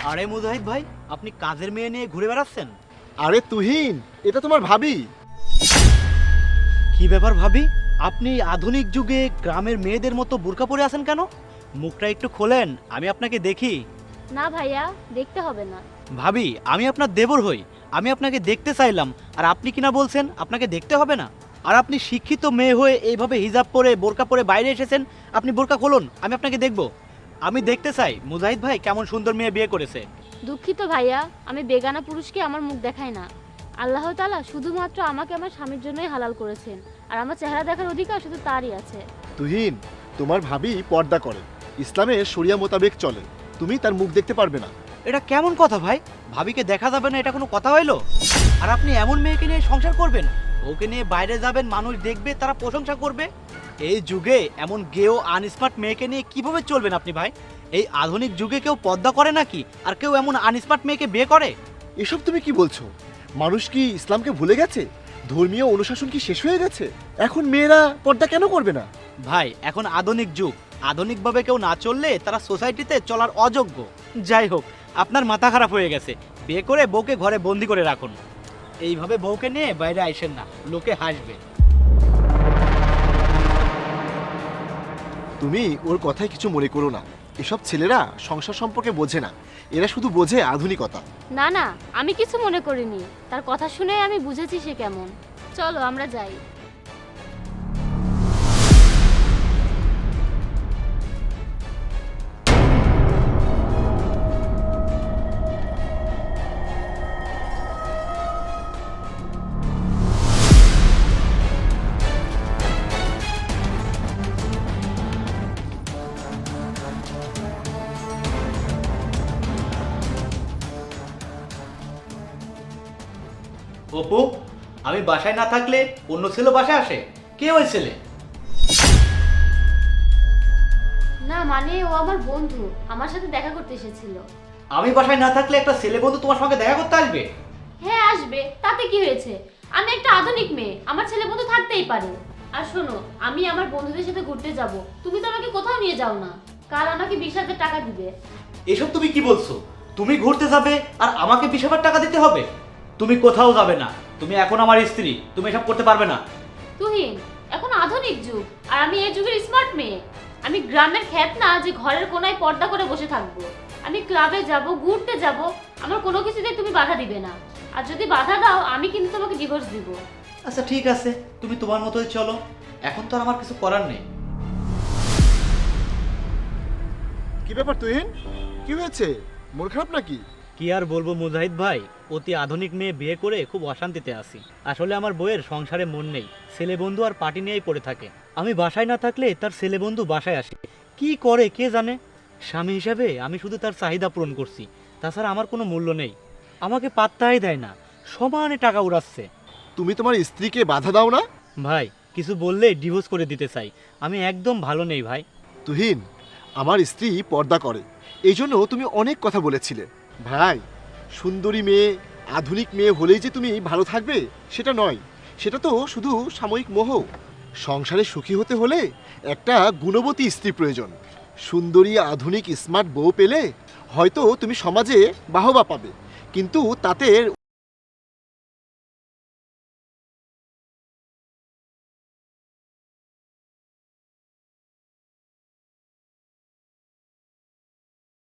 আরে মুজাহিদ ভাই, আপনি কাজের মেয়ে নিয়ে ঘুরে বেড়াচ্ছেন? আরে তুহিন, এটা তোমার ভাবি। কি ব্যাপার ভাবি, আপনি আধুনিক যুগে গ্রামের মেয়েদের মতো বোরকা পরে আছেন কেন? মুখটা একটু খোলেন, আমি আপনাকে দেখি। না ভাইয়া, দেখতে হবে না। ভাবি, আমি আপনার দেবর হই, আমি আপনাকে দেখতে চাইলাম, আর আপনি কিনা বলছেন আপনাকে দেখতে হবে না? আর আপনি শিক্ষিত মেয়ে হয়ে এইভাবে হিজাব পরে বোরকা পরে বাইরে এসেছেন, আপনি বোরকা খুলুন, আমি আপনাকে দেখব। আমি দেখতে চাই মুজাহিদ ভাই কেমন সুন্দর মেয়ে বিয়ে করেছে। দুঃখিত ভাইয়া, আমি বেগানা পুরুষকে আমার মুখ দেখাই না। আল্লাহ তাআলা শুধুমাত্র আমাকে আমার স্বামীর জন্যই হালাল করেছেন, আর আমার চেহারা দেখার অধিকার শুধু তারই আছে। তুহিন, তোমার ভাবি পর্দা করে, ইসলামে শরিয়া মোতাবেক চলে, তুমি তার মুখ দেখতে পারবে না। এটা কেমন কথা ভাই? ভাবিকে দেখা যাবে না, এটা কোনো কথা হইলো? আর আপনি এমন মেয়েকে নিয়ে সংসার করবেন, ওকে নিয়ে বাইরে যাবেন, মানুষ দেখবে, তারা প্রশংসা করবে। এই যুগে এমন গেও আনস্মার্ট মেয়েকে নিয়ে কিভাবে চলবেন আপনি ভাই? এই আধুনিক যুগে কেউ পর্দা করে নাকি? আর কেউ এমন আনস্মার্ট মেয়েকে বিয়ে করে? এসব তুমি কি বলছো? মানুষ কি ইসলামকে ভুলে গেছে? ধর্মীয় অনুশাসন কি শেষ হয়ে গেছে? এখন মেয়েরা পর্দা কেন করবে না? ভাই, এখন আধুনিক যুগ, আধুনিকভাবে কেউ না চললে তারা সোসাইটিতে চলার অযোগ্য। যাই হোক, আপনার মাথা খারাপ হয়ে গেছে, বিয়ে করে বউকে ঘরে বন্দি করে রাখুন। এইভাবে বউকে নিয়ে বাইরে আইসেন না, লোকে হাসবে। তুমি ওর কথায় কিছু মনে করো না। এসব ছেলেরা সংসার সম্পর্কে বোঝে না, এরা শুধু বোঝে আধুনিকতা। না না, আমি কিছু মনে করিনি। তার কথা শুনে আমি বুঝেছি সে কেমন। চলো আমরা যাই। অপু, আমি বাসায় না থাকলে অন্য ছেলে বাসায় আসে? কে ওই ছেলে? না মানে ও আমার বন্ধু, আমার সাথে দেখা করতে এসেছিল। আমি বাসায় না থাকলে একটা ছেলে বন্ধু তোমার সঙ্গে দেখা করতে আসবে? হ্যাঁ আসবে, তাতে কি হয়েছে? আমি একটা আধুনিক মেয়ে, আমার ছেলে বন্ধু থাকতেই পারে। আর শোনো, আমি আমার বন্ধুদের সাথে ঘুরতে যাব, তুমি তো আমাকে কোথাও নিয়ে যাও না। কাল আমাকে 20,000 টাকা দিবে। এসব তুমি কি বলছো? তুমি ঘুরতে যাবে আর আমাকে 20,000 টাকা দিতে হবে? তুমি কোথাও যাবে না, তুমি এখন আমার স্ত্রী, তুমি এসব করতে পারবে না। তুহিন, এখন আধুনিক যুগ, আর আমি এই যুগের স্মার্ট মেয়ে। আমি গ্রামের খ্যাত না যে ঘরের কোনায় পর্দা করে বসে থাকবো। আমি ক্লাবে যাব, ঘুরতে যাব, আমার কোনো কিছুতে তুমি বাধা দিবে না। আর যদি বাধা দাও, আমি কিন্তু তোমাকে ডিভোর্স দিব। আচ্ছা ঠিক আছে, তুমি তোমার মতোই চলো, এখন তো আর আমার কিছু করার নেই। কি ব্যাপার তুহিন, কি হয়েছে? মন খারাপ নাকি? কি আর বলবো মুজাহিদ ভাই, অতি আধুনিক মেয়ে বিয়ে করে খুব অশান্তিতে আছি। আসলে আমার বউয়ের সংসারে মন নেই, ছেলে বন্ধু আর পার্টি নিয়েই পড়ে থাকে। আমি বাসায় না থাকলে তার ছেলে বন্ধু বাসায় আসে, কি করে কে জানে। স্বামী হিসাবে আমি শুধু তার চাহিদা পূরণ করছি, তাছাড়া আমার কোনো মূল্য নেই। আমাকে পাত্তাই দেয় না, সমানে টাকা উড়াচ্ছে। তুমি তোমার স্ত্রীকে বাধা দাও না? ভাই, কিছু বললেই ডিভোর্স করে দিতে চাই, আমি একদম ভালো নেই ভাই। তুহিন, আমার স্ত্রী পর্দা করে, এই জন্য তুমি অনেক কথা বলেছিলে। ভাই, সুন্দরী মেয়ে, আধুনিক মেয়ে হলেই যে তুমি ভালো থাকবে সেটা নয়, সেটা তো শুধু সাময়িক মোহ। সংসারে সুখী হতে হলে একটা গুণবতী স্ত্রী প্রয়োজন। সুন্দরী, আধুনিক, স্মার্ট বউ পেলে হয়তো তুমি সমাজে বাহবা পাবে, কিন্তু তাতে